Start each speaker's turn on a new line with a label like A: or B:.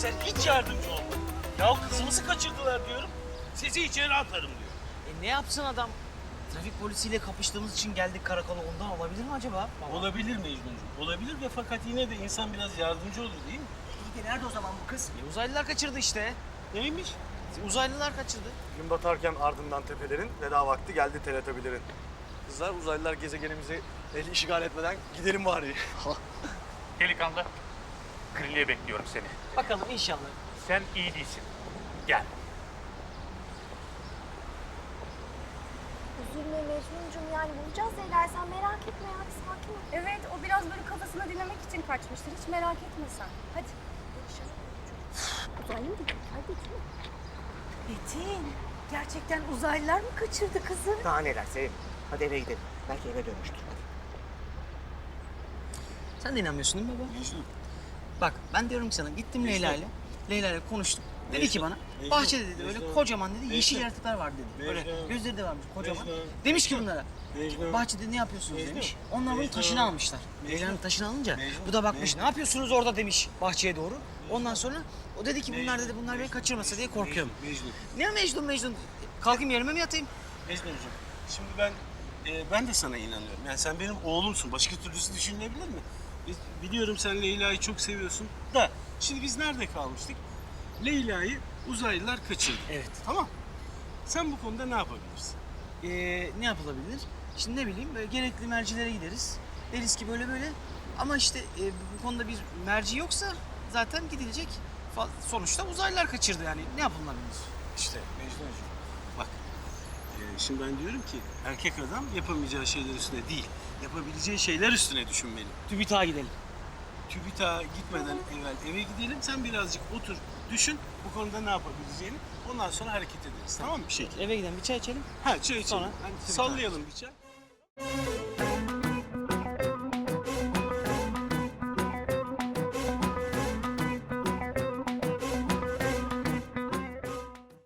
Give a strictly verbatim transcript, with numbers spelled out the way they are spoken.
A: sen hiç yardımcı olmadın. Ya kızımızı kaçırdılar diyorum. Sizi içeri atarım diyor.
B: E ne yapsın adam? Trafik polisiyle kapıştığımız için geldik karakola, ondan olabilir mi acaba? Baba.
A: Olabilir Mecnuncuğum. Olabilir de fakat yine de insan biraz yardımcı olur değil mi?
C: İyi de nerede o zaman bu kız?
B: E, uzaylılar kaçırdı işte.
A: Neymiş?
B: Uzaylılar kaçırdı.
D: Gün batarken ardından tepelerin, veda vakti geldi teletabilerin. Kızlar, uzaylılar gezegenimizi el işgal etmeden gidelim bari.
E: Delikanlı, Grilli'ye bekliyorum seni.
B: Bakalım inşallah.
E: Sen iyi değilsin. Gel.
F: Üzülme Mecnun'cum, yani bulacağız Leyla, sen merak etme, hadi sakin ol.
G: Evet, o biraz böyle kafasını dinlemek için kaçmıştır. Hiç merak etme sen. Hadi.
F: Uzaylı mı dedik? Hadi değil mi?
G: Metin, gerçekten uzaylılar mı kaçırdı kızı?
C: Daha neler Sevim. Hadi eve gidelim. Belki eve dönmüştür. Hadi.
B: Sen de inanmıyorsun değil mi baba?
A: Mecnun.
B: Bak ben diyorum ki sana, gittim
A: Mecnun.
B: Leyla ile. Leyla ile konuştum. Dedi
A: Mecnun.
B: ki bana,
A: Mecnun.
B: bahçede dedi öyle
A: Mecnun.
B: kocaman dedi, yeşil
A: Mecnun.
B: yaratıklar var dedi. Böyle
A: Mecnun.
B: gözleri de varmış kocaman.
A: Mecnun.
B: Demiş ki bunlara,
A: Mecnun.
B: bahçede ne yapıyorsunuz
A: Mecnun.
B: demiş. Onlar bunun
A: Mecnun.
B: taşını almışlar.
A: Mecnun.
B: Leyla'nın taşını alınca
A: Mecnun.
B: bu da bakmış,
A: Mecnun.
B: ne yapıyorsunuz orada demiş bahçeye doğru. Ondan sonra o dedi ki bunlar
A: Mecnun.
B: dedi, bunlar beni kaçırmasa diye korkuyorum.
A: Mecnun.
B: Ne Mecnun Mecnun? Kalkayım yerime mi yatayım?
A: Mecnuncuğum, şimdi ben e, ben de sana inanıyorum. Yani sen benim oğlumsun. Başka türlüsü düşünülebilir mi? E, biliyorum sen Leyla'yı çok seviyorsun da şimdi biz nerede kalmıştık? Leyla'yı uzaylılar kaçırdı.
B: Evet.
A: Tamam. Sen bu konuda ne yapabilirsin?
B: Ee, ne yapılabilir? Şimdi ne bileyim, böyle gerekli mercilere gideriz. Deriz ki böyle böyle. Ama işte e, bu konuda bir merci yoksa zaten gidilecek. Fa- Sonuçta uzaylılar kaçırdı yani. Ne yapılabilir?
A: İşte Mecnuncuğum, bak. e, şimdi ben diyorum ki erkek adam yapamayacağı şeyler üstüne değil, yapabileceği şeyler üstüne düşünmeli.
B: TÜBİTAK'a gidelim.
A: TÜBİTAK'a gitmeden evvel eve gidelim. Sen birazcık otur, düşün bu konuda ne yapabileceğini. Ondan sonra hareket ederiz. Tamam mı bir şekilde?
B: Eve gidelim, bir çay içelim.
A: Ha çay içelim.
B: Sonra
A: Hani
B: TÜBİTAK.
A: sallayalım bir çay.